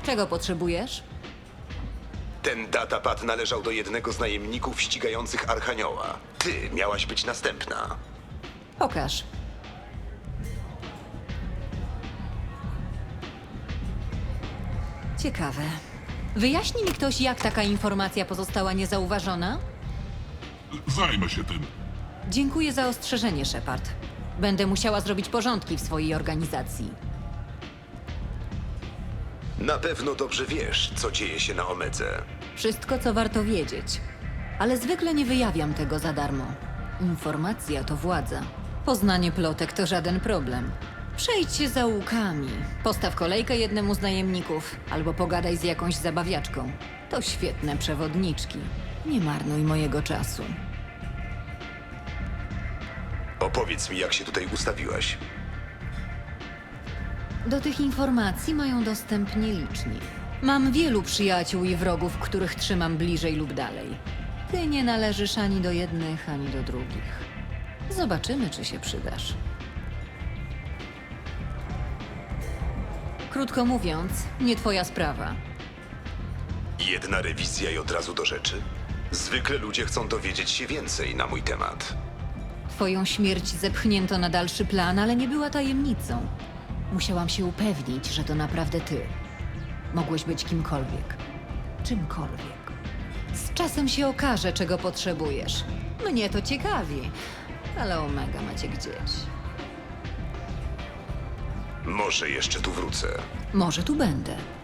Czego potrzebujesz? Ten datapad należał do jednego z najemników ścigających Archanioła. Ty miałaś być następna. Pokaż. Ciekawe. Wyjaśni mi ktoś, jak taka informacja pozostała niezauważona? Zajmę się tym. Dziękuję za ostrzeżenie, Shepard. Będę musiała zrobić porządki w swojej organizacji. Na pewno dobrze wiesz, co dzieje się na Omedze. Wszystko, co warto wiedzieć. Ale zwykle nie wyjawiam tego za darmo. Informacja to władza. Poznanie plotek to żaden problem. Przejdź się zaułkami. Postaw kolejkę jednemu z najemników, albo pogadaj z jakąś zabawiaczką. To świetne przewodniczki. Nie marnuj mojego czasu. Opowiedz mi, jak się tutaj ustawiłaś. Do tych informacji mają dostęp nieliczni. Mam wielu przyjaciół i wrogów, których trzymam bliżej lub dalej. Ty nie należysz ani do jednych, ani do drugich. Zobaczymy, czy się przydasz. Krótko mówiąc, nie twoja sprawa. Jedna rewizja i od razu do rzeczy? Zwykle ludzie chcą dowiedzieć się więcej na mój temat. Twoją śmierć zepchnięto na dalszy plan, ale nie była tajemnicą. Musiałam się upewnić, że to naprawdę ty. Mogłeś być kimkolwiek. Czymkolwiek. Z czasem się okaże, czego potrzebujesz. Mnie to ciekawi, ale Omega macie gdzieś. Może jeszcze tu wrócę. Może tu będę.